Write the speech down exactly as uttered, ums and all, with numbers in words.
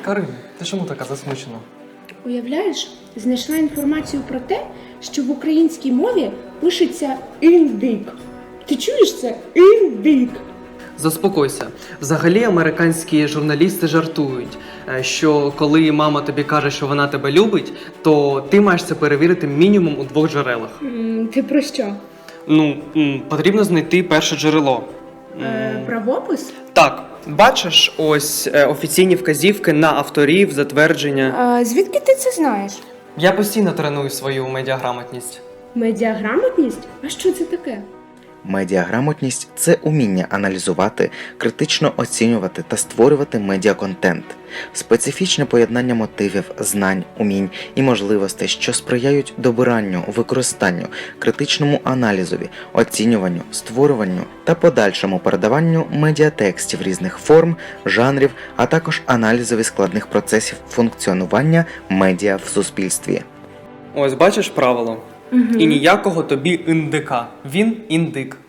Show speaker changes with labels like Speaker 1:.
Speaker 1: Карин, ти чому така засмучена?
Speaker 2: Уявляєш, знайшла інформацію про те, що в українській мові пишеться індик. Ти чуєш це? Індик.
Speaker 1: Заспокойся. Взагалі американські журналісти жартують, е, що коли мама тобі каже, що вона тебе любить, то ти маєш це перевірити мінімум у двох джерелах.
Speaker 2: М, Ти про що?
Speaker 1: Ну, м, потрібно знайти перше джерело.
Speaker 2: Е, правопис?
Speaker 1: Так, бачиш, ось е, офіційні вказівки на авторів, затвердження.
Speaker 2: А звідки ти це знаєш?
Speaker 1: Я постійно треную свою медіаграмотність.
Speaker 2: Медіаграмотність? А що це таке?
Speaker 3: Медіаграмотність – це уміння аналізувати, критично оцінювати та створювати медіаконтент. Специфічне поєднання мотивів, знань, умінь і можливостей, що сприяють добиранню, використанню, критичному аналізові, оцінюванню, створюванню та подальшому передаванню медіатекстів різних форм, жанрів, а також аналізові складних процесів функціонування медіа в суспільстві.
Speaker 1: Ось бачиш правило.
Speaker 2: Угу.
Speaker 1: І ніякого тобі індика. Він індик.